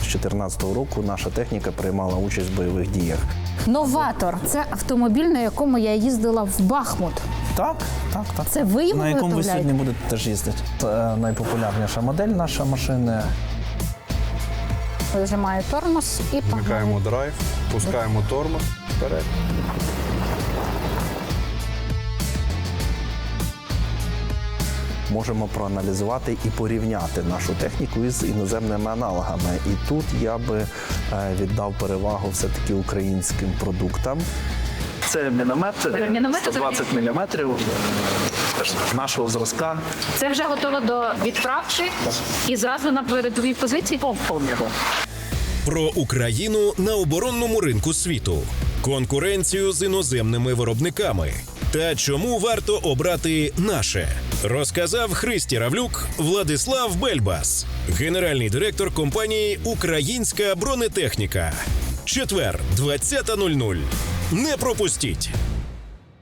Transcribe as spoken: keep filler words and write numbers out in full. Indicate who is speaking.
Speaker 1: дві тисячі чотирнадцятого року наша техніка приймала участь в бойових діях.
Speaker 2: Новатор – це автомобіль, на якому я їздила в Бахмут.
Speaker 1: Так, так, так.
Speaker 2: Це ви його
Speaker 1: на якому ви
Speaker 2: виготовляєте?
Speaker 1: сьогодні будете теж їздити. Це найпопулярніша модель нашої машини.
Speaker 2: Вижимаю тормоз і
Speaker 3: Вмикаємо
Speaker 2: погнали.
Speaker 3: драйв, пускаємо тормоз вперед.
Speaker 1: Можемо проаналізувати і порівняти нашу техніку із іноземними аналогами. І тут я би е, віддав перевагу все-таки українським продуктам. Це міномет, це
Speaker 2: Міномет,
Speaker 1: сто двадцять міліметрів нашого зразка.
Speaker 2: Це вже готово до відправки і зразу на передовій позиції?
Speaker 4: Про Україну на оборонному ринку світу, конкуренцію з іноземними виробниками та чому варто обрати наше, розказав Христя Равлюк Владислав Бельбас, генеральний директор компанії «Українська бронетехніка». Четвер, двадцята нуль нуль. Не пропустіть!